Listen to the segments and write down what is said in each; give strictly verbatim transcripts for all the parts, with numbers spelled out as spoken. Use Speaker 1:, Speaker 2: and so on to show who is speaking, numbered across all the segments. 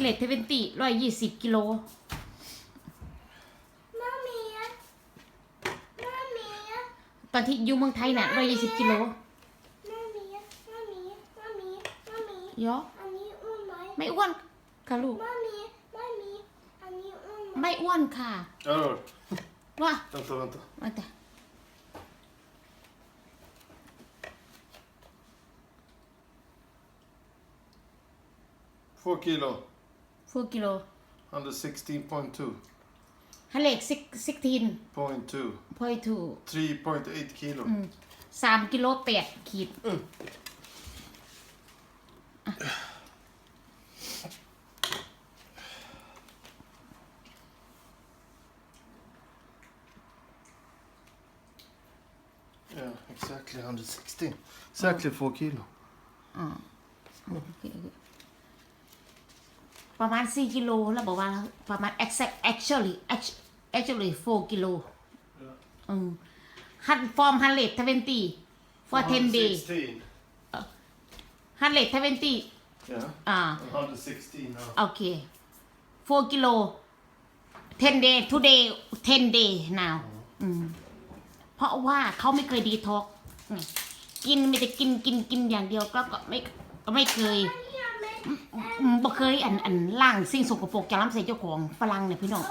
Speaker 1: เลทเทเวนตี้ร้อยยี่สิบกิโล
Speaker 2: มามีอะมามีอะ
Speaker 1: ตอนที่อยู่เมืองไทยน่ะร้อยยี่สิบกิโล
Speaker 2: มามีอะมามีมามีมามี
Speaker 1: เยอะ
Speaker 2: อันนี้อ้วนไหม
Speaker 1: ไม่อ้วนค่ะลูก
Speaker 2: มามีมามีอันนี้อ้วนไหม
Speaker 1: ไม่อ้วนค่ะ
Speaker 3: Hallå?
Speaker 1: ว่า
Speaker 3: Vänta, vänta.
Speaker 1: มาแต่
Speaker 3: Två kilo.
Speaker 1: สี่กิโล
Speaker 3: Under sixteen point two.
Speaker 1: ฮัลเลกสิบสิบทีน
Speaker 3: Point two.
Speaker 1: พอยทู
Speaker 3: Three point eight kilo.
Speaker 1: สามกิโลแปดขีด
Speaker 3: Mm. Yeah, exactly under sixteen. Exactly four kilo.
Speaker 1: อ่าโอเคประมาณสี่กิโลแล้วบอกว่าประมาณ exact actually act- actually สี่กิโล
Speaker 3: Yeah.
Speaker 1: อืมฮันฟอร์มฮันเลทเทเวนตี้ for ten days
Speaker 3: sixteen.
Speaker 1: ฮันเลทเทเวนตี้
Speaker 3: Yeah.
Speaker 1: อ่า
Speaker 3: Under sixteen now.
Speaker 1: โอเคสี่กิโล ten day today ten day now อืมเพราะว่าเขาไม่เคยดีท็อกกินไม่แต่กินกินกินอย่างเดียวก็ก็ไม่ก็ไม่เคยอืมบ่เคยอันอันล่างสิ่งสกปรกจากลำไส้เจ้าของฝรั่งเนี่ยพี่น้อง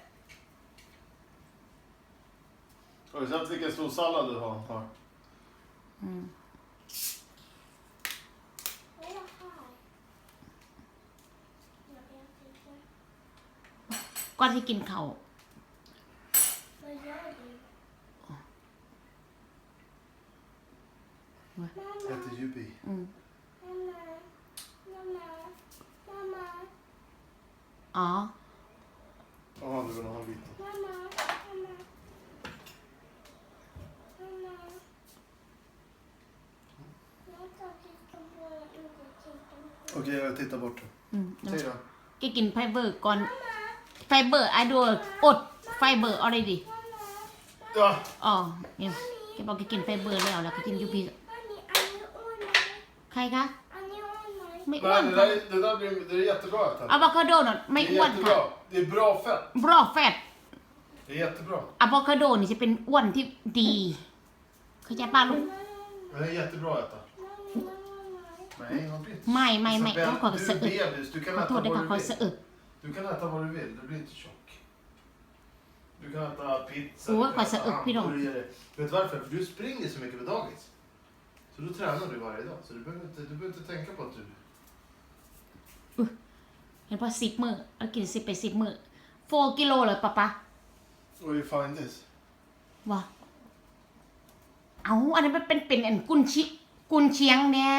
Speaker 3: Har du sett vilken stor sallad du har? Här?
Speaker 2: ไม่ละค่ะเดี๋ยวเดี๋ยวเดี๋ยวเดี๋ยว
Speaker 1: ก่อนที่กินเขาว
Speaker 2: มาเยอะดิมามา
Speaker 3: Äter Jubi.
Speaker 1: อืม
Speaker 2: มามามามามา
Speaker 1: อ๋อ
Speaker 3: Jaha, du vill ha en bit.
Speaker 2: มามามามามามาjag tar tittar på ögonen.
Speaker 3: Okej, jag tittar bort.
Speaker 1: อืม
Speaker 3: Säg då.
Speaker 1: แกกินไฟเบอร์ก่อนไฟเบอร์ไอดูอดไฟเบอร์ already
Speaker 3: Ja.
Speaker 1: อ๋อเนี่ยแกบอกแกกินไฟเบอร์แล้วแล้วก็กินยูพี
Speaker 2: อันนี้อันนี้อ้วนไหม
Speaker 1: ใครคะ
Speaker 2: อันนี้อ้วนไหม
Speaker 1: ไม่อ้วน
Speaker 3: Nej, det
Speaker 1: ค่ะ
Speaker 3: där, är- det där blir, det är jättebra att
Speaker 1: อะ
Speaker 3: äta.
Speaker 1: โวคาโดน่ะไม่
Speaker 3: Det
Speaker 1: อ้
Speaker 3: är
Speaker 1: วนค่ะ
Speaker 3: jättebra. Det är bra fett.
Speaker 1: บรอแฟต
Speaker 3: Det är jättebra.
Speaker 1: อะโวคาโดนี่จะเป็นอ้วนที่ดีเข้าใจป้าลูก
Speaker 3: Men det är jättebra att äta.
Speaker 2: ไม่ไม่ไม่
Speaker 3: Nej, man blir inte
Speaker 1: ไม่ไม่ไม่
Speaker 3: Isabel,
Speaker 1: เขาขอ
Speaker 3: du
Speaker 1: สะ
Speaker 3: är
Speaker 1: อึก
Speaker 3: bebis. Du
Speaker 1: ข
Speaker 3: kan
Speaker 1: อ
Speaker 3: äta
Speaker 1: โทษ
Speaker 3: vad
Speaker 1: ด้วยค่ะ
Speaker 3: du
Speaker 1: ขอสะ
Speaker 3: vill.
Speaker 1: อึก
Speaker 3: Du kan äta vad du vill. Du blir inte tjock. Du kan äta pizza.
Speaker 1: Åh,
Speaker 3: Du kan
Speaker 1: vad så
Speaker 3: äta
Speaker 1: upp i dem.
Speaker 3: hamburgare. Vet du varför? För du springer så mycket på dagis. Så då tränar du varje dag. Så du behöver inte, du behöver inte tänka på att du...
Speaker 1: เห็นป่ะสิบมือเอากินสิบไปสิบมือโฟกิโลเลยป้าป๊า
Speaker 3: Where you find this?
Speaker 1: ว่าเอาอันนี้นมันเป็นเป็นอันกุนชิกุนเชียงเนี่ย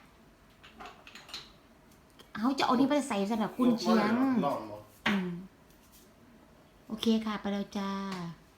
Speaker 1: เอาจะเอานี่ไปใส่สำหรับกุนเชียง
Speaker 3: Lam, va?
Speaker 1: อืมโอเคค่ะ ไปแล้วจ้า